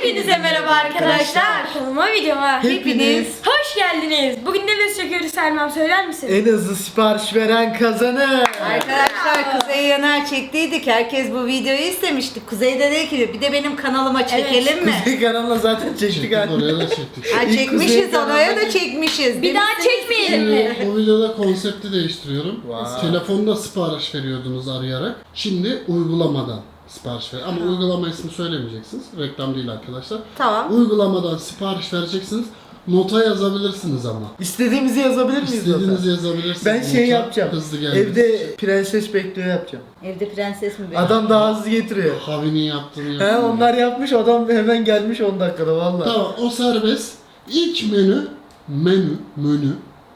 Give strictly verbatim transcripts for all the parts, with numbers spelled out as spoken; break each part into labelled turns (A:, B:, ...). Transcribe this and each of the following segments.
A: Hepinize merhaba arkadaşlar. Kanalıma videoma
B: Hepiniz
A: hoş geldiniz. Bugün ne video çekiyoruz Selma'm, söyler misin?
B: en hızlı sipariş veren kazanır.
C: Arkadaşlar Kuzey Yener çektiydik. Herkes bu videoyu istemişti. Kuzey de dedi ki bir de benim kanalıma çekelim mi?
B: Kuzey kanalına zaten çektik
D: Çektik,
B: artık.
D: oraya da çektik.
C: Ha,
B: İlk
C: çekmişiz
B: Kuzey
C: oraya da
B: kanalına-
C: çekmişiz.
A: Bir daha çekmeyelim mi?
D: Şimdi bu videoda konsepti değiştiriyorum.
B: Wow.
D: Telefonda sipariş veriyordunuz arayarak. Şimdi uygulamadan sipariş ver. Ama uygulama ismi söylemeyeceksiniz. Reklam değil arkadaşlar.
C: Tamam.
D: Uygulamadan sipariş vereceksiniz. Nota yazabilirsiniz ama.
B: İstediğimizi yazabilir miyiz?
D: İstediğinizi
B: zaten?
D: yazabilirsiniz.
B: Ben şey
D: Nota
B: yapacağım.
D: Hızlı gelmesi
B: Evde
D: için.
B: prenses bekliyor yapacağım.
C: Evde prenses mi benim?
B: Adam daha hızlı getiriyor.
D: Havi'nin yaptığını
B: He
D: yapıyor.
B: onlar yapmış, adam hemen gelmiş on dakikada vallahi.
D: Tamam, o serbest. İlk menü, menü, menü,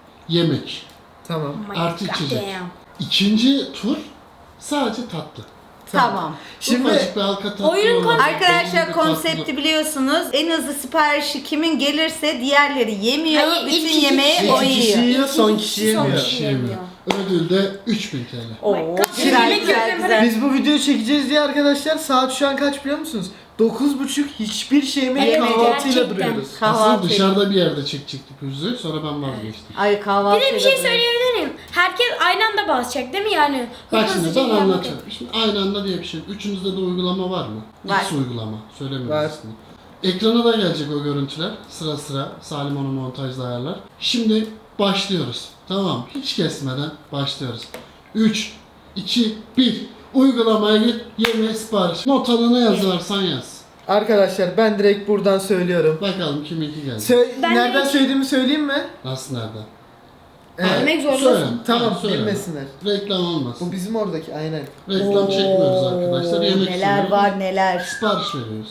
D: yemek.
B: Tamam.
D: Artı içecek.
A: Damn.
D: İkinci tur sadece tatlı.
C: Tamam.
B: Şimdi
D: Ufacık bir halka tatlı
A: Oyunun
D: olacak, belli
C: Arkadaşlar
D: bir
C: konsepti
D: tatlı.
C: biliyorsunuz. En hızlı siparişi kimin gelirse diğerleri yemiyor.
A: Hayır, ilk
C: Bütün
A: iki
C: yemeği
A: kişi-
C: o
B: iki kişi
C: yiyor.
B: yiyor, son
A: İki
B: kişi
A: kişi son
B: yemiyor.
A: kişi.
D: Yemiyor. Ödül de üç bin T L.
C: Oo,
A: My God.
C: güzel
A: Yemek
C: güzel
A: yiyorum.
C: güzel.
B: Biz bu videoyu çekeceğiz diye arkadaşlar saat şu an kaç biliyor musunuz? dokuz buçuk hiçbir şey yemeği
A: Evet,
B: kahvaltıyla
A: gerçekten.
B: duruyoruz.
C: Kahvaltı.
D: Aslında dışarıda bir yerde çekecektik yüzüğü, sonra ben vazgeçtim.
C: Ay kahvaltı.
A: Bir de bir şey söyleyebilir miyim? Herkes aynı anda basacak değil mi yani?
D: Bak
A: Hızlıca
D: şimdi ben
A: yapmak.
D: anlatacağım. Şimdi aynı anda diye bir şey. Üçünüzde de uygulama var mı?
C: Var.
D: X uygulama. Söylemiyorum
B: Var.
D: ismini. Ekrana da gelecek o görüntüler. Sıra sıra Salim onu montajda ayarlar. Şimdi başlıyoruz. Tamam. Hiç kesmeden başlıyoruz. üç, iki, bir. Uygulamaya git. Yemeğe sipariş. Notanı ne yazarsan yaz.
B: Arkadaşlar ben direkt buradan söylüyorum.
D: Bakalım kiminki geldi.
B: Sö-
A: Ben
B: nereden
A: de-
B: söylediğimi söyleyeyim mi?
D: Nasıl nereden?
B: Evet.
A: Demek zorundasın.
D: Söyle.
B: Tamam,
D: Ha, söyle.
B: bilmesinler.
D: Reklam olmasın.
B: Bu bizim oradaki aynen.
D: Reklam çekmiyoruz arkadaşlar. Yemek
C: Neler
D: söylüyoruz.
C: var neler.
D: Sipariş veriyoruz.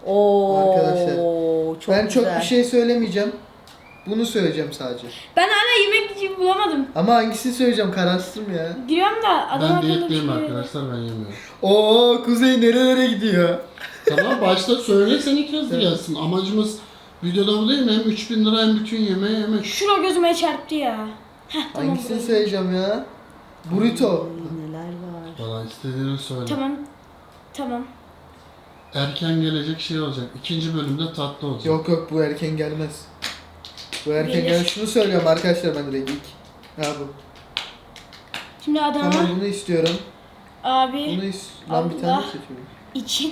C: Oo,
B: Arkadaşlar,
C: çok
B: ben çok
C: güzel.
B: bir şey söylemeyeceğim. Bunu söyleyeceğim sadece.
A: Ben hala yemek gibi bulamadım.
B: Ama hangisini söyleyeceğim kararsızım ya.
A: Giriyorum da adam
D: Ben
A: akıllı bir
D: diyetteyim
A: şey yok.
D: arkadaşlar, ben yemiyorum.
B: Oo Kuzey nerelere gidiyor?
D: Tamam, başta söyle, sen ilk hızlı gelsin. Amacımız videoda bu değil mi? Hem üç bin lira hem bütün yemeği yemek.
A: Şura gözüme çarptı ya. Heh, tamam.
B: Hangisini
A: burası.
B: söyleyeceğim ya? Burrito.
C: Neler var.
D: Valla istediğini söyle.
A: Tamam. Tamam.
D: Erken gelecek şey olacak. İkinci bölümde tatlı olacak.
B: Yok yok bu erken gelmez. Bu erken
A: Gelir.
B: gelmez. Şunu söylüyorum arkadaşlar ben direkt ilk. Ha bu.
A: Şimdi adama
B: Tamam bunu istiyorum.
A: abi
B: Bunu is... Lan bir tane
A: Allah.
B: seçiyorum.
A: için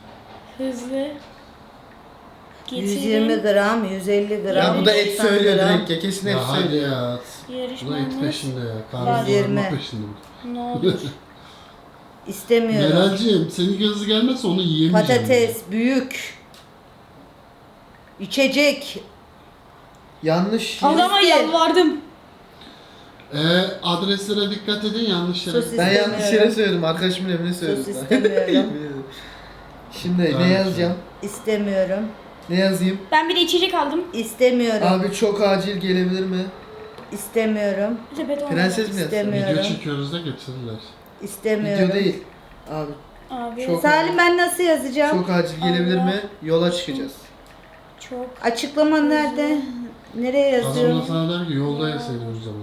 A: hızlı
C: yüz
A: getirin
C: yirmi gram, yüz elli gram.
B: Ya bu da et
C: doksan
B: söylüyor
C: gram.
B: direkt ya kesin et
D: Ya hadi
B: söylüyor.
D: ya. Bu da et
A: yarışmamız
D: peşinde ya.
A: Var.
D: Karnı
C: Yirmi.
D: doyurma peşinde.
A: ne olur.
C: İstemiyorum.
D: Meralciğim, senin hızlı gelmezse onu yiyemeyeceğim.
C: Patates, büyük. İçecek.
B: Yanlış.
A: Adama
C: Liste.
A: yalvardım.
D: Ee, adreslere dikkat edin, yanlış yere.
C: Sosis.
B: Ben yanlış yere
C: İstemiyorum.
B: söyledim. Arkadaşımın evine söyledim.
C: Sos
B: ben.
C: istemiyorum.
B: Şimdi
D: Tamam.
B: ne yazacağım?
C: İstemiyorum.
B: Ne yazayım?
A: Ben bir de içecek aldım.
C: İstemiyorum.
B: Abi çok acil gelebilir mi?
C: İstemiyorum.
A: Sepet olmadı.
B: Prenses mi yazsam?
C: İstemiyorum.
D: Video çekiyoruz da getirirler.
C: İstemiyorum.
B: Video değil. Abi
A: Abi
B: Çok-
A: çok,
C: Salim ben nasıl yazacağım?
B: çok acil gelebilir
A: Allah.
B: mi? Yola çıkacağız.
C: Açıklama nerede? Nereye
D: Adam da
C: yazıyorum?
D: sana der ki yolda yeseydin o zaman.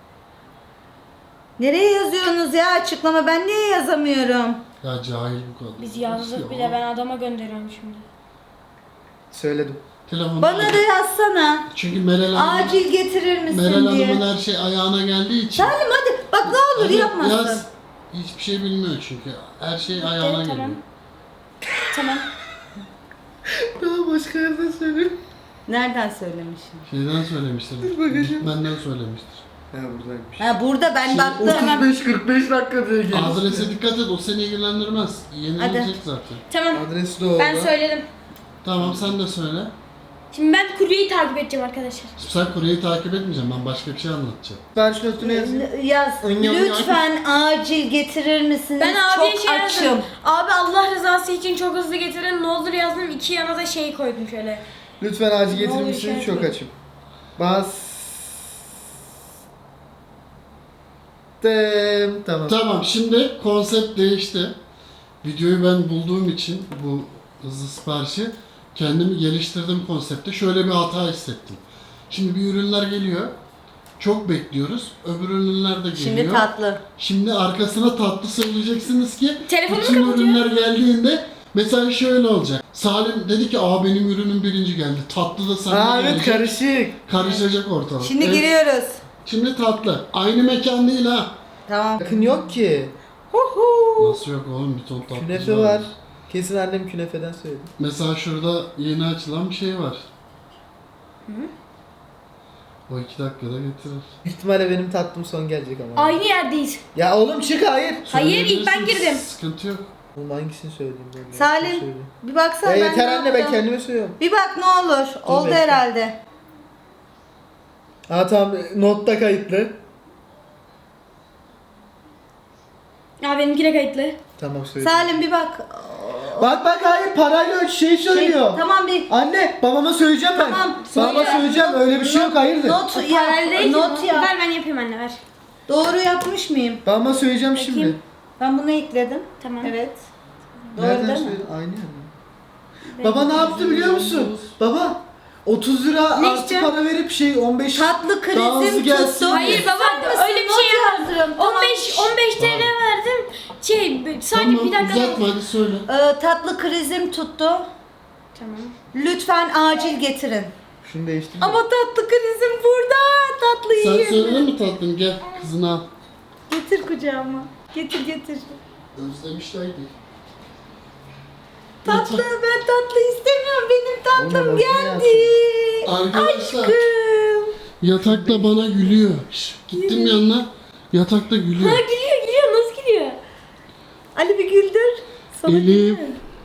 C: Nereye yazıyorsunuz ya açıklama? Ben niye yazamıyorum?
D: Ya cahil bu kadar.
A: biz yazdık
D: Ya.
A: bile, ben adama gönderiyorum şimdi.
B: Söyledim.
D: Telefonu
C: Bana da yazsana.
D: Çünkü Meral Hanım,
C: Acil getirir misin
D: Meral
C: diye.
D: Hanım'ın her şey ayağına geldiği için.
C: Salim hadi. Bak ne olur
D: Hadi
C: yapmasın.
D: yaz. Hiçbir şey bilmiyor çünkü. Her şey ayağına
A: Evet,
D: geliyor.
A: tamam. Tamam.
B: Daha başka yerden söyleyeyim.
C: Nereden söylemişim?
D: Şeyden söylemiştir.
B: bakacağım.
D: Benden söylemiştir.
B: Ha buradaymış.
C: Ha burada ben
D: Şimdi
C: baktım.
B: otuz beş kırk beş dakika diye gelmiş.
D: Adrese dikkat et, o seni ilgilendirmez. Yenilecek zaten.
A: Tamam.
B: Adresi de orada.
A: Ben söyledim.
D: Tamam, sen de söyle.
A: Şimdi ben kuryeyi takip edeceğim arkadaşlar.
D: Sen kuryeyi takip etmeyeceğim, ben başka bir şey anlatacağım.
B: Sipariş notunu yazayım.
C: Yaz.
B: Önyam-
C: Lütfen acil getirir misiniz?
A: Ben abiye
C: Çok
A: şey
C: açım.
A: yazdım. Abi Allah rızası için çok hızlı getirin ne olur yazdım. İki yana da şey koydum şöyle.
B: Lütfen acil
A: Ne
B: getirir
A: oluyor
B: misiniz?
A: şey
B: Çok
A: yapayım.
B: açım. Bas. Tamam.
D: Tamam, şimdi konsept değişti. Videoyu ben bulduğum için bu hızlı siparişi kendimi geliştirdim konsepte. Şöyle bir hata hissettim. Şimdi bir ürünler geliyor. Çok bekliyoruz. Öbür ürünler de geliyor.
C: Şimdi tatlı.
D: Şimdi arkasına tatlı söyleyeceksiniz ki
A: Telefonumu
D: bütün
A: kapatıyor.
D: ürünler geldiğinde Mesela şöyle olacak. Salim dedi ki aa benim ürünüm birinci geldi. Tatlı da senden
B: Aa evet
D: gelecek.
B: karışık.
D: Karışacak ortalık.
C: Şimdi
D: Evet.
C: giriyoruz.
D: Şimdi tatlı. Aynı mekan değil ha.
C: Tamam.
B: Yakın yok ki. Huhu.
D: Nasıl yok oğlum, bir ton tatlı.
B: Künefe var. Kesin annem künefeden söyledi.
D: Mesela şurada yeni açılan bir şey var. O iki dakikada getirir.
B: Büyük ihtimalle benim tatlım son gelecek ama.
A: Aynı yerdeyiz.
B: Ya oğlum çık hayır.
A: Hayır, ilk ben
D: Söyleyebilirsin,
A: girdim.
D: Sıkıntı yok.
B: Oğlum hangisini söyleyeyim ben?
C: Salim
B: Hangisini söyleyeyim?
C: bir baksana
B: Ya
C: ben
B: yeter
C: ne
B: anne ben
C: yaptım?
B: kendime söylüyorum.
C: Bir bak ne olur. Oldu
B: bekle.
C: herhalde.
B: Ha tamam notta kayıtlı.
A: Ya benimki de kayıtlı.
B: Tamam söyle.
C: Salim bir bak.
B: Bak bak hayır parayla şey söylüyor.
C: Tamam bir
B: Anne babama söyleyeceğim ben.
C: Tamam,
B: Babama
C: söyle.
B: söyleyeceğim öyle bir şey yok hayırdır.
C: not
A: O
C: yap.
A: paralel değil ki
C: Not
A: bu.
C: yap.
A: Ver ben yapayım anne ver.
C: Doğru yapmış mıyım?
B: Babama söyleyeceğim şimdi.
A: Bakayım.
C: Ben bunu ekledim.
A: Tamam.
C: Evet. Doğru
B: Nereden
C: değil mi?
B: söyle? Aynı yani. Baba ne yaptı biliyor musun? Baba otuz lira
A: Ne
B: artı
A: isteyeceğim?
B: para verip şey on beş
C: Tatlı
B: daha hızlı
C: krizim
B: gelsin
C: tuttu.
B: diye.
A: Hayır baba
C: Sen
A: öyle bir
C: misin?
A: şey
C: Not
A: yapmadım.
C: yazıyorum, tamam.
A: on beş on beş T L verdim. Şey sadece
D: Tamam
A: bir dakika.
D: uzatma hadi söyle.
C: Ee, tatlı krizim tuttu.
A: Tamam.
C: Lütfen acil getirin.
B: Şunu değiştir.
C: Ama tatlı krizim burada. Tatlı
D: Sen
C: yiyeyim.
D: söyledin mi tatlım, gel kızını al.
C: Getir kucağıma. Getir getir.
D: Özlemişlerdi.
C: Tatlı ben tatlı istemiyorum. Benim tatlım
B: Oğlum,
C: geldi.
D: Arkadaşlar
C: Aşkım.
D: yatakta bana gülüyor. Şş, gittim yanına, yatakta gülüyor.
A: Ha gülüyor gülüyor nasıl gülüyor?
C: Ali bir güldür. Sana
D: Elif.
C: gülüyor.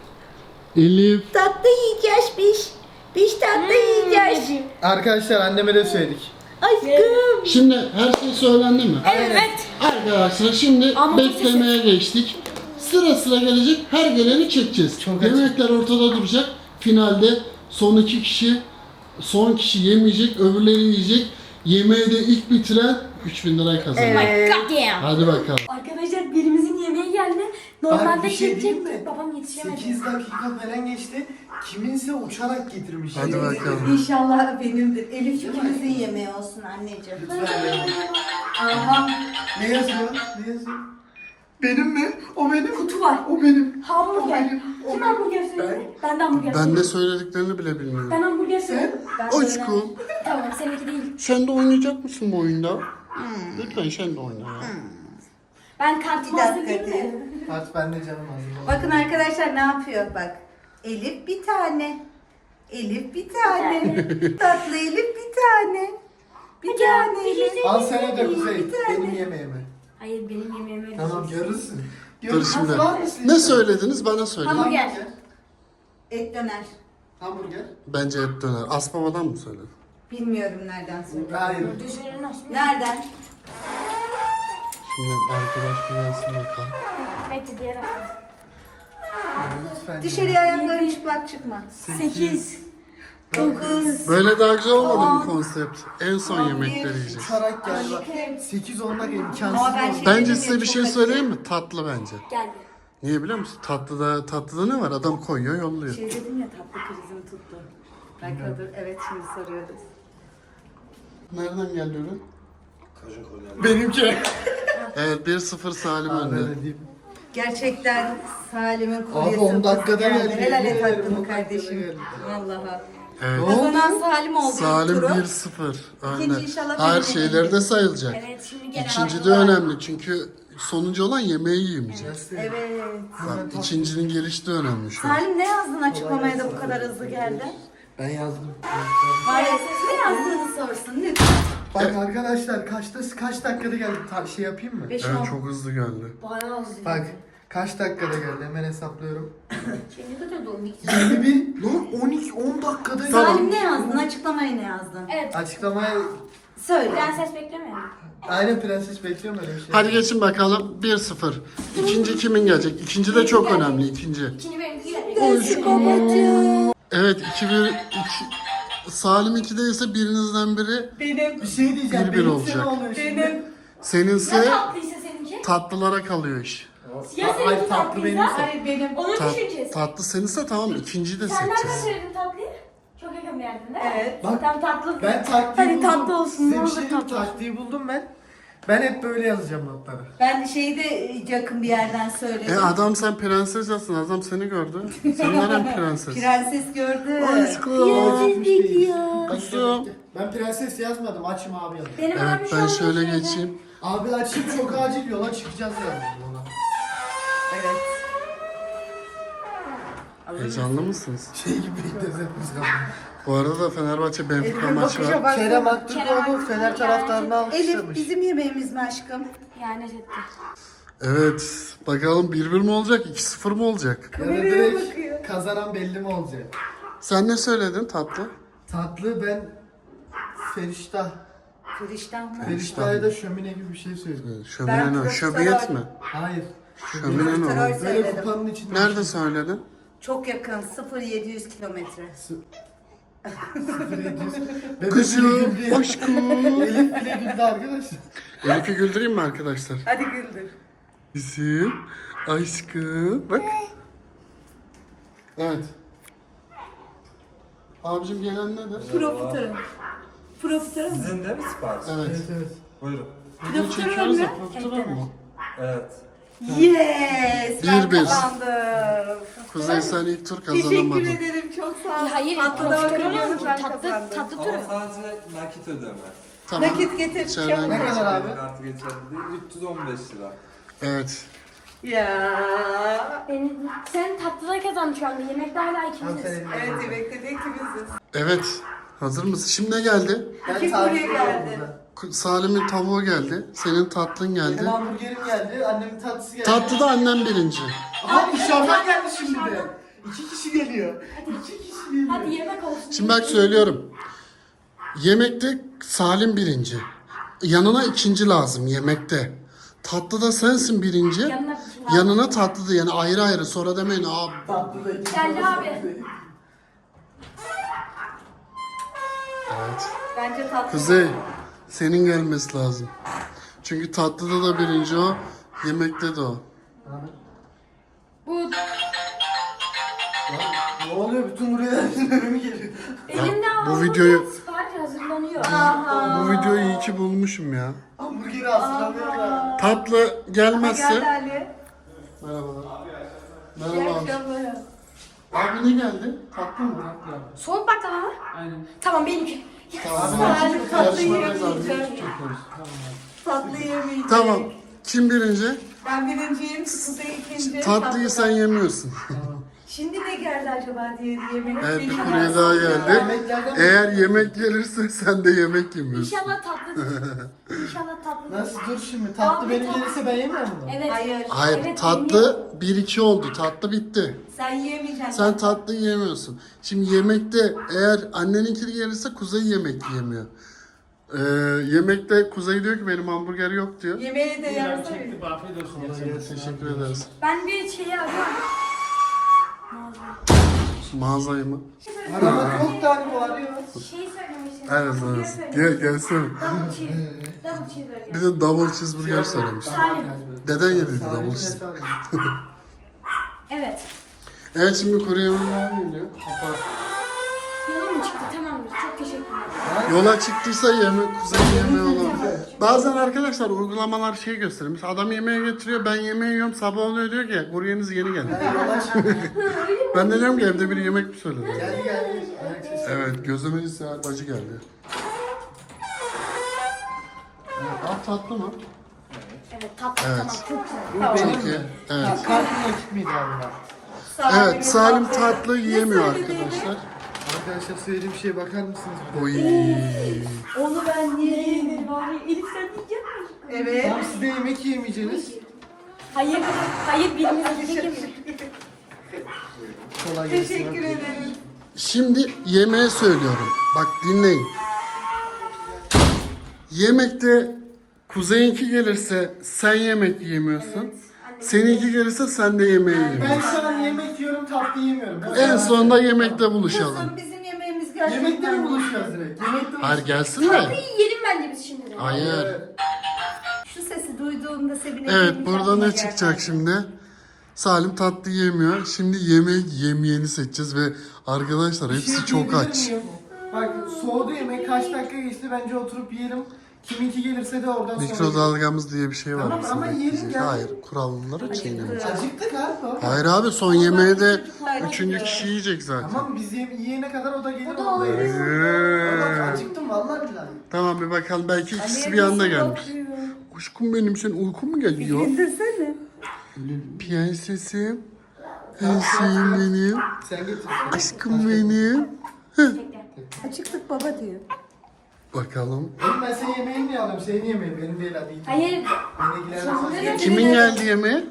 D: Elif.
C: Tatlı yiyeceğiz biz. Biz tatlı yiyeceğiz.
A: Hmm.
B: Arkadaşlar anneme de söyledik.
C: Aşkım.
D: Şimdi her şey söylendi mi?
A: Evet.
D: Arkadaşlar şimdi
A: Ama
D: beklemeye geçtik. Sıra sıra gelecek, her geleni çekeceğiz.
B: Çok
D: Yemekler ortada duracak. Finalde son iki kişi, son kişi yemeyecek, öbürleri yiyecek. Yemeği de ilk bitiren üç bin lirayı kazanır.
C: Evet.
A: My god damn.
D: Hadi bakalım.
A: Arkadaşlar birimizin yemeği geldi. Normalde
B: bir şey diyeyim
A: çekecektik.
B: mi?
A: Babam yetişemedi.
B: sekiz dakika falan geçti. Kiminse uçarak getirmiş.
D: Hadi bakalım.
C: İnşallah benimdir. Elif ikimizin yemeği olsun anneciğim.
B: Lütfen benim.
C: Aha.
B: Ne yazıyor? Ne yazıyor? Benim mi? O benim.
A: Kutu var.
B: O benim.
A: Hamburger. Kim hamburger söyledi? Ben de hamburger
D: Ben
A: söyledim.
D: ne söylediklerini bile bilmiyorum.
A: Ben hamburger söyledim. Ben de
D: Aşkım,
A: öyle- Tamam seninki değil.
D: sen de oynayacak mısın bu oyunda? Lütfen sen de oyna ya.
A: Ben
C: Bir
A: kartımı
C: dakika
A: hazırlayayım
C: diye.
A: mı?
B: Artık ben de canım ağzım.
C: Bakın arkadaşlar ne yapıyor bak. Elif bir tane. Elif bir tane. Tatlı Elif bir tane. Bir tane Elif.
B: Al sen de Kuzey.
C: Bir tane.
B: Benim yemeğimi.
A: Hayır benim yemeğimi
B: Tamam
A: ödeyeceksin.
B: görürsün.
D: Dur
B: Görürsün.
D: şimdi.
B: Var mısın?
D: Ne söylediniz bana söyleyin.
A: Hamburger.
C: Et döner.
B: Hamburger.
D: Bence et döner. Asbabadan mı söyledin?
C: Bilmiyorum nereden söyledi.
B: Hayır.
A: Dışarı nasıl?
C: Nereden?
D: Şimdi arkadaş bir gelsin bakalım.
A: Bekle diğer hafta.
B: Lütfen.
C: Dışarıya ayakların çıplak çıkma.
A: sekiz.
C: Dokuz.
D: Böyle daha güzel olmadı
C: Aa.
D: mı konsept? En son
C: Aa,
D: yemekleri
C: bir-
D: yiyeceğiz.
B: Uçarak geldi bak. sekiz on dakika imkansız.
C: Ama ben
B: oldu.
C: şey-
D: Bence
C: dedim
D: size
C: ya,
D: bir
C: çok
D: şey
C: acı.
D: söyleyeyim mi? Tatlı bence.
A: Geldi.
D: Niye biliyor musun? Tatlıda tatlıda ne var? Adam koyuyor, yolluyor.
C: Şey dedim ya tatlı krizim tuttu. Bakalım evet şimdi soruyoruz.
D: Nereden geldi ürün?
B: Benimki.
D: Evet bir sıfır Salim önde.
B: Öyle diyeyim.
C: Gerçekten Salim'in
B: Abi
C: kuryesi.
B: on dakikada geldi.
C: Helal et
B: Yemin ederim,
C: hakkını
B: on dakikada
C: kardeşim.
B: geldi.
C: Vallahi.
D: Evet.
C: Kazanan Salim oldu.
D: Salim
C: turu.
D: bir sıfır önde.
C: İkinci inşallah
D: Her
C: benim
D: şeyleri de sayılacak.
A: Evet şimdi gelen
D: İkinci de önemli çünkü sonuncu olan yemeği yiyemeyecek.
C: Evet.
D: Bak ikincinin gelişi de önemli şu an.
C: Salim ne yazdın açıklamaya da bu kadar hızlı geldi?
B: Ben yazdım.
C: Var ya ne yazdığını sorsun lütfen.
B: Bak arkadaşlar kaçta kaç dakikada geldi? Ta- şey yapayım mı?
C: Beş
D: Evet
C: on.
D: çok hızlı geldi.
A: Bayağı hızlı.
B: Bak kaç dakikada geldi hemen hesaplıyorum.
A: Şimdi de de doğru.
B: yirmi bir lan on iki on dakikada
C: Salim
B: geldi.
C: ne yazdın? Açıklamaya ne yazdın?
A: Evet.
B: Açıklamaya
C: Söyle.
A: Prenses beklemiyor.
B: aynen prenses bekliyorum öyle bir şey.
D: Hadi geçin bakalım bir sıfır. İkinci kimin gelecek? İkinci de çok önemli ikinci.
A: İkinci benimki geldi.
C: Babacığım.
D: Evet iki bir iki, Salim ikide ise birinizden biri
C: Benim.
B: Bir şey diyeceğim.
D: Bir bir
B: benimse
D: olacak.
B: ne oluyor şimdi?
C: Benim.
D: seninse
A: Ya tatlıysa seninki?
D: tatlılara kalıyor iş.
A: Ya
B: Ay,
A: seninki
B: tatlı
A: tatlıysa?
B: benimse.
C: Hayır benim.
A: Onu
D: Ta-
A: düşüneceğiz.
D: tatlı seninse tamam ikinciyi de
A: Sen nereden
D: seçeceğiz.
A: söyledin tatlıyı? Çok yakın bir yerden değil mi?
C: Evet.
B: Bak,
A: Tam tatlı.
B: Ben taktiği
A: Hadi
B: buldum.
A: tatlı olsun,
B: Size
A: ne
B: bir
A: olur
B: şey diyeyim,
A: tatlı.
B: taktiği buldum ben. Ben hep böyle yazacağım notları.
C: Ben şeyi de yakın bir yerden
D: E
C: söyledim.
D: adam sen prenses yazsın. Adam seni gördü. Sen neren prenses?
C: Prenses gördü.
D: Aşkım.
C: ya.
D: Kızım.
B: Ben prenses yazmadım. Açım abi yazdım.
A: Benim
D: Evet
A: abim şu
D: ben
A: an
D: şöyle
A: şeyde.
D: geçeyim.
B: Abi açayım çok acil yola çıkacağız yani ona.
C: Evet.
D: Heyecanlı mısınız?
B: Şey gibi bekledim biz abi.
D: Bu arada da Fenerbahçe Benfica
C: Elif'e
D: maçı
C: bakışa
D: var.
C: bak.
B: Kerem Aktürkoğlu Fener taraftarını
C: Elif
B: alkışlamış.
C: bizim yemeğimiz mi aşkım?
A: Yani etti.
D: Evet. Bakalım bir bir mi olacak, iki sıfır mı olacak?
B: Ya da
C: Kameraya
B: direkt
C: bakıyor.
B: kazanan belli mi olacak?
D: Sen ne söyledin tatlı?
B: Tatlı ben Feriştah.
C: Firişten mı?
B: Feriştah'a da şömine gibi bir şey söyledim.
C: Ben
D: Şömine ne?
C: profiterol-
D: Şöbiyet mi?
B: Hayır.
D: Şömine ne
C: Profiterol
D: oğlum?
B: Böyle
C: söyledim.
B: kupanın içinde.
D: Nerede söyledin?
C: Çok yakın. sıfır yedi yüz kilometre.
B: Bebek
D: Kızım,
B: bile güldü ya.
D: aşkım.
B: Elif bile güldü arkadaşlar.
D: Elif'i güldüreyim mi arkadaşlar?
C: Hadi güldür.
D: Bizim aşkım. Bak. Evet. Abicim gelen nedir?
C: Profiterol. Profiterol mu?
E: Sizin de mi sipariş?
D: Evet.
B: Evet evet.
E: Buyurun.
D: Video çekiyoruz da profiterol mu?
E: Evet.
C: Yes! Ben
D: Bir bir.
C: kazandım.
D: Kuzey sen ilk tur
C: Teşekkür
D: kazanamadın.
C: ederim. Çok sağ ol.
A: Hayır,
C: Tatlı da
A: profiterol
C: bakıyoruz,
A: yok.
C: ben
A: Tatlı,
C: kazandım.
A: tatlı
E: Ama
A: turu.
E: sadece nakit ödeme.
D: Tamam.
C: Nakit getir.
D: İçeriden
C: çabuk.
B: Ne kadar abi?
E: Kartı geçerli değil. üç yüz on beş lira.
D: Evet.
C: Ya.
A: Benim, sen tatlıda kazandın şu anda. Yemekte hala ikimiziz.
B: Aferin.
C: Evet yemekte de ikimiziz.
D: Evet. Hazır mısın? Şimdi ne geldi?
B: Ben
C: Kim
B: tarif
C: buraya
B: ediyorum
C: geldi?
B: burada.
D: Salim'in tavuğu geldi. Senin tatlın geldi.
B: Benim hamburgerim geldi, annemin tatlısı geldi.
D: Tatlıda annem birinci.
B: Aha dışarıdan geldi şimdi de. İki kişi geliyor. İki kişi geliyor.
A: Hadi yemek olsun.
D: Şimdi bak söylüyorum. Yemekte Salim birinci. Yanına ikinci lazım yemekte. Tatlıda sensin birinci.
A: Yanına ikinci.
D: Yanına tatlı da yani ayrı ayrı. Sonra demeyin abi.
B: Tatlı da iki.
A: Geldi abi.
D: Evet.
C: Bence tatlı.
D: Kuzey senin gelmesi lazım. Çünkü tatlıda da birinci o. Yemekte de o.
A: Bu
B: Ne oluyor? Bütün buraya önümü geliyor.
A: elimde
D: bu
A: aldığım
D: videoyu-
A: sipariş hazırlanıyor.
D: Bu videoyu iyi ki bulmuşum ya.
B: Hamburgeri hazırlamıyor da.
D: Tatlı
C: Geldi
D: gelmezse...
C: Ali.
D: Merhabalar.
C: İyi
D: Merhaba.
C: akşamlar.
D: Abi ne geldi? Tatlı mı?
A: Soğuk baklava mı?
B: Aynen.
A: Tamam benimki.
D: Abi
C: Salim tatlı
D: yarışmadayız abi.
C: yemeyeceğim.
D: Çekiyoruz.
C: Tatlı yemeyeceğim.
D: Tamam. Kim birinci?
C: Ben birinciyim, Kuzey ikinci.
D: Tatlıyı sen yemiyorsun.
C: Şimdi ne geldi acaba diye yemek.
D: Evet bir
C: Benim
D: kurye
C: gelsin.
D: daha geldi.
B: Yemeklerden
D: Eğer yemek gelirse sen de yemek yemiyorsun.
A: İnşallah tatlıdır. İnşallah tatlıdır.
B: Nasıl dur şimdi? Tatlı
A: Abi,
B: benim
A: tatlı.
B: gelirse ben yemiyor muyum?
A: Evet.
C: Hayır.
D: Hayır
A: Evet,
D: tatlı bir iki oldu. Tatlı bitti.
C: Sen yiyemeyeceksin.
D: Sen tatlı yemiyorsun. Şimdi yemekte eğer anneninki gelirse Kuzey yemek yemiyor. Ee, yemekte Kuzey diyor ki benim hamburger yok diyor.
C: Yemeği de yarısı.
B: Afiyet olsun.
D: Teşekkür ederiz.
A: Ben bir şeyi arıyorum.
D: Mağazayı mı?
B: Arama çok tane bağırıyor.
A: Şey söylemiştim.
D: Evet evet. Gel gelsene.
A: Double cheese. Double cheeseburger.
D: Bir de double cheeseburger söylemiş.
A: Salim.
D: Deden yediydi double cheese.
A: Evet.
D: Evet şimdi kuru yemeğler geliyor. Kapat.
A: Yolum mu çıktı? Tamamdır. Çok teşekkürler.
D: Yola çıktıysa yeme, Kuzey yemeği olur. Bazen arkadaşlar uygulamalar şey göstermiş. Adam yemeğe getiriyor, ben yemeği yiyorum. Sabah oluyor diyor ki kuryeniz yeni geldi. Ben de diyorum ki evde biri yemek mi söyledi?
B: Geldi geldi. Ayak sesi.
D: Evet gözümün istihar bacı geldi. Evet, ah tatlı mı?
A: Evet tatlı
D: Evet.
A: tamam. Çok güzel.
D: Çok iyi. Evet.
B: Kartın ekip miydi abi?
D: Evet Salim tatlı yiyemiyor arkadaşlar.
B: Arkadaşlar söylediğim şeye bakar mısınız?
D: Oy.
C: Onu ben yiyeyim.
A: Elif sen yiyecek misin?
C: Evet.
B: Tam siz de yemek yemeyeceksiniz.
A: Hayır. Hayır birimiz yiyecek mi?
B: Kolay gelsin.
C: Teşekkür ederim.
D: Şimdi yemeğe söylüyorum. Bak dinleyin. Yemekte Kuzey'inki gelirse sen yemek yemiyorsun. Seninki gelirse sen de yemeği
B: Ben
D: yemiyorsun.
B: şu an yemek yiyorum, tatlı yemiyorum.
D: En sonunda yemekte buluşalım.
C: Kızım bizim yemeğimiz geldi.
B: Yemekte mi buluşacağız direkt? Yemekte
D: Hayır gelsin de.
A: Yiyelim bence biz şimdi de.
D: Hayır.
C: Şu sesi duyduğumda sevineceğim.
D: Evet burada ne çıkacak şimdi? Salim tatlı yemiyor. Şimdi yemek yemeyeni seçeceğiz ve arkadaşlar
B: Bir şey
D: hepsi çok
B: diyebilir
D: aç.
B: miyim? Bak soğudu yemek kaç dakika geçti bence oturup yiyelim. Kiminki gelirse de oradan sonra.
D: Mikrodalgamız diye bir şey var.
B: Tamam,
D: bizim
B: ama yiyelim
D: bekleyecek.
B: ya.
D: Hayır, kuralları çiğnemiş.
B: Acıktık abi.
D: Hayır abi, son yemeği de üçüncü kişi yiyecek zaten.
B: Tamam biz ye- yiyene kadar o da gelir.
C: O da
B: O da
C: oluyor.
B: yer. Bak acıktım vallahi billahi.
D: Tamam, bir bakalım, belki ikisi bir anda gelmiş. Aşkım benim, senin uykun mu geliyor?
C: İndirsene.
D: Prensesim. Prensesim benim.
B: Sen getir.
D: Aşkım benim.
C: Açıklık baba diyor.
D: Bakalım.
B: Oğlum ben senin yemeğini niye alayım? Senin yemeğin benim değil hadi.
A: Hayır.
B: Beni ilgilendirmez.
D: Kimin geldi yemeğe?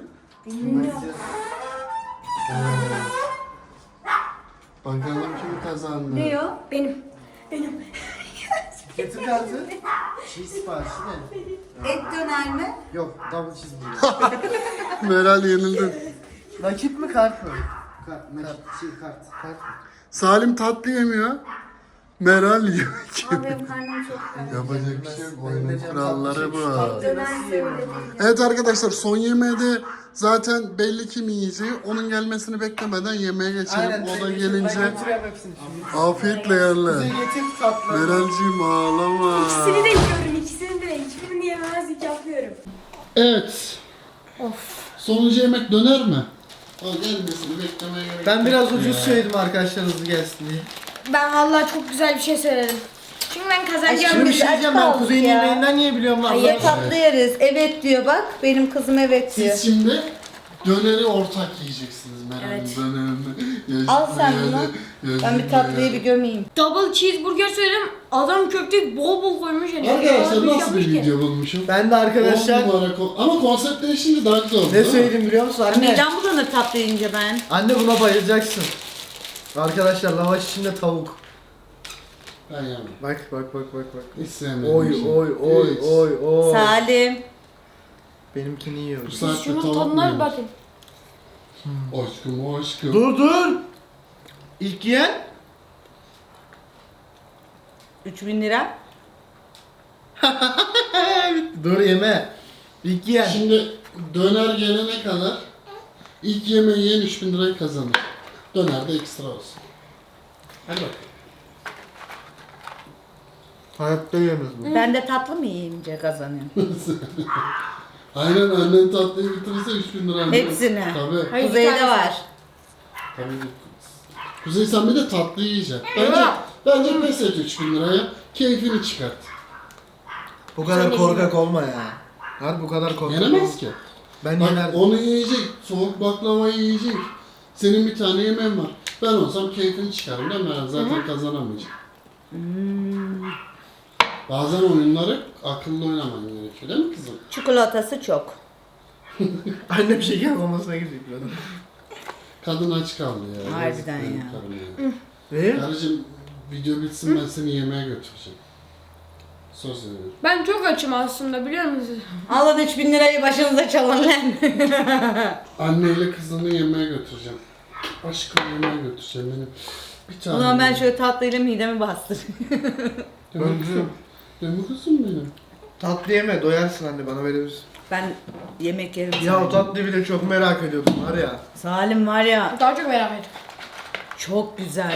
D: Bakalım kim kazandı.
C: Ne o?
A: Benim. Benim.
B: Getir kartı. Cheese siparişi ne?
C: Et döner mi?
B: Yok double cheeseburger.
D: Meral yenildi.
B: Nakit mi kart mı? Kart, nakit, şey kart, kart.
D: Salim tatlı yemiyor. Meral yiyor.
C: Ama benim karnım çok ağrıyor.
D: Yapacak bir şey yok. Oyunun kuralları bu.
C: Döner söyle.
D: Evet arkadaşlar, son yemeğe de zaten belli kim yiyeceği. Onun gelmesini beklemeden yemeğe geçelim.
B: Aynen.
D: O da
B: Ben
D: gelince
B: götürüyorum hepsini şimdi.
D: afiyetle
B: Bize
D: yerler.
B: getir tatlı.
D: Meralciğim ağlama.
A: İkisini de yiyorum. İkisini de. Hiçbirini yemezlik yapıyorum.
D: Evet. Sonuncu yemek döner mi? O gelmesini beklemeye gerek
B: Ben
D: yok
B: biraz
D: ya.
B: ucuz söyledim arkadaşlar hızlı gelsin diye.
A: Ben vallahi çok güzel bir şey söyledim. Çünkü ben kazanacağım.
B: Şimdi bir
C: biz
B: şey
C: aç
B: diyeceğim, ben
C: kaldık
B: kuzeyin
C: ya.
B: yemeğinden niye biliyorum lan?
A: Hayır.
C: Tatlı yeriz. Evet diyor bak. Benim kızım evet diyor.
D: Siz şimdi döneri ortak yiyeceksiniz Meral'in
A: Evet.
D: dönerini.
C: Al sen
D: Yazık
C: bunu.
D: yazık
C: Ben bir tatlıyı bir gömeyim.
A: Double cheeseburger söyledim. Adam köfteyi bol bol koymuş. Yani.
D: Arkadaşlar
A: Öyle bir
D: nasıl bir
A: yapmış ki.
D: video bulmuşum?
B: Ben de arkadaşlar
D: On numara ko- Ama konsept değişince daha güzel oldu.
B: ne
D: değil mi?
B: söyledim biliyor musun anne?
C: Midem bulanır tatlı yiyince ben.
B: Anne buna bayılacaksın. Arkadaşlar lavaş içinde tavuk.
D: Ben yemem.
B: Bak bak bak bak bak.
D: Hiç sevmedim.
B: Oy
D: şimdi.
B: oy oy
D: Hiç.
B: oy oy.
C: Salim.
B: Benimkini yiyorum.
D: Bu saatte
A: Şunun
D: tavuk mu
A: tadına bir
D: yiyoruz?
A: bakın.
D: Aşkım aşkım.
B: Dur dur. İlk yiyen
C: üç bin lira.
B: dur yeme. İlk yiyen.
D: Şimdi döner gelene kadar ilk yemeği yiyen üç bin lirayı kazanır. Döner de ekstra olsun. Hadi bak.
B: Hayatta yemez bu.
C: Ben de tatlı mı yiyince kazanıyorum?
D: Aynen, annen tatlıyı bitirirse üç bin lira.
C: Hepsini.
D: Tabii.
A: Hayır,
C: Kuzeyde
A: bir tanesi.
C: var.
D: Tabii. Kuzey, sen bir de tatlı yiyeceksin. Bence, bence pes et üç bin liraya. Keyfini çıkart.
B: Bu kadar
A: Sen
B: korkak olma ya. Hadi bu kadar korkak
D: Yenemez
B: olma.
D: ki.
B: Ben
D: Bak
B: yenerdim.
D: onu yiyecek, soğuk baklavayı yiyecek. Senin bir tane yemeğin var. Ben olsam keyfini çıkarım değil mi? Ben zaten kazanamayacağım. Bazen oyunları akıllı oynaman gerekiyor değil mi kızım?
C: Çikolatası çok.
B: Annem şeker olmasına gidecek böyle.
D: Kadın aç kaldı ya.
C: Harbiden
D: Yazık benim
C: ya.
D: karıma ya.
B: Ne?
D: Karıcığım, video bitsin, ben seni yemeğe götüreceğim. Söz veriyorum.
A: Ben çok açım aslında biliyor musunuz?
C: Alın üç bin lirayı başınıza çalın lan.
D: Anneyle kızını yemeğe götüreceğim. Aşkım yemeğe götüreceğim benim. Bir tane.
C: Ulan ben şöyle tatlıyla midemi bastır.
D: Değil mi kızım? Değil mi kızım benim?
B: Tatlı yeme doyarsın anne bana verirsin.
C: Ben yemek yerim.
B: Ya o
C: Salim.
B: tatlıyı bile çok merak ediyordum var ya.
C: Salim var ya
A: Daha çok merak ettim.
C: çok güzel.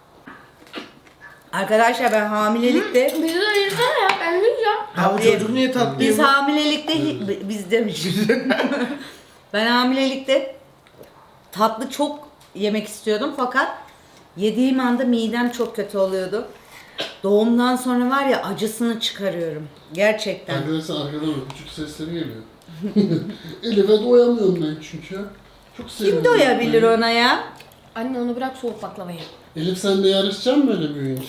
C: Arkadaşlar ben hamilelikte
A: Bizi de ayırsana ya. Ben yiyeceğim.
B: Ha bu
C: Abi,
B: çocuk niye tatlı
C: biz
B: yemiyor?
C: hamilelikte hi- biz demişiz. Ben hamilelikte tatlı çok yemek istiyordum fakat yediğim anda midem çok kötü oluyordu. Doğumdan sonra var ya acısını çıkarıyorum. Gerçekten.
D: Arkadaşlar arkadan küçük sesleri geliyor. Elif'e doyamıyorum ben çünkü. Çok seviyorum.
C: Kim doyabilir ona ya?
A: Anne onu bırak soğuk baklavayı.
D: Elif, sen de yarışacaksın böyle büyüyünce.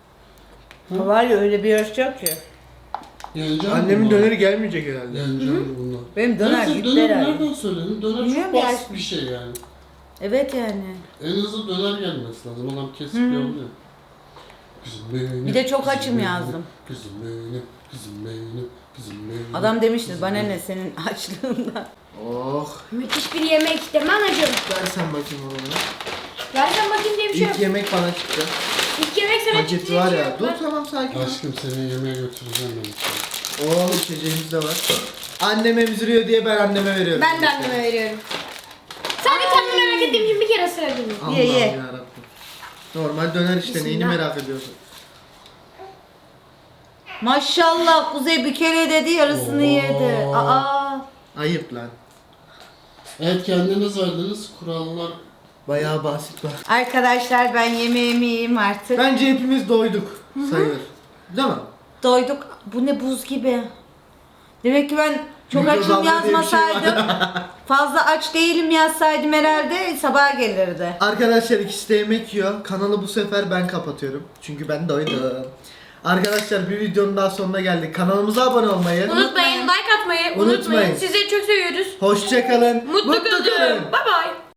C: Var ya öyle bir yarış yok ki.
D: Yeneceksin
B: Annemin
D: bunları.
B: döneri gelmeyecek herhalde.
D: Yeneceksin bunlar.
C: Benim döner
D: Neyse,
C: gitti
D: döner
C: herhalde.
D: nereden söyledin? Döner
C: Bilmiyorum
D: çok
C: ya.
D: basit bir şey yani.
C: Evet yani.
D: En hızlı döner gelmesi lazım. Adam kesip yolluyor. Kızım benim.
C: Bir de çok
D: kızım
C: açım
D: benim,
C: yazdım.
D: Kızım benim, kızım benim, kızım benim.
C: Adam demişti
D: kızım
C: bana
D: benim.
C: ne senin açlığından.
B: Oh.
A: Müthiş bir yemek demem acım.
B: Ver sen bakayım onu.
A: Versen bakayım diye bir şey yok.
B: İlk yemek bana çıktı.
A: İlk yemek sana
B: Paket
A: çıktı
B: var
A: diye bir
B: ya.
A: şey yok.
B: Dur
A: Ver.
B: tamam sakin ol.
D: Aşkım, seni yemeğe götüreceğim ben sana.
B: Oh içeceğimiz de var. Annem emziriyor diye ben anneme veriyorum.
A: Ben de anneme veriyorum. Sadece tadını merak ettiğim için bir kere ısrar edeyim.
B: Allah'ım
C: Ye, ye.
B: yarabbim. Normal döner işte neyini
A: Bismillah.
B: merak ediyorsun?
C: Maşallah Kuzey bir kere dedi yarısını
D: Oo.
C: yedi. Aa.
B: Ayıp lan.
D: Evet kendiniz verdiniz kurallar.
B: Bayağı basit var.
C: Arkadaşlar ben yemeğimi yiyeyim artık.
B: Bence hepimiz doyduk sayılır. Değil mi?
C: Doyduk. Bu ne buz gibi. Demek ki ben çok açım
B: Mikrodalga diye bir şey var.
C: yazmasaydım. Fazla aç değilim yazsaydım herhalde sabah gelirdi.
B: Arkadaşlar ikisi de yemek yiyor. Kanalı bu sefer ben kapatıyorum. Çünkü ben doydum. Arkadaşlar bir videonun daha sonuna geldik. Kanalımıza abone olmayı,
A: Unutmayın, like atmayı
B: Unutmayın.
A: unutmayın. Sizleri çok seviyoruz.
B: hoşça kalın,
A: Mutlu kalın. Bye bye.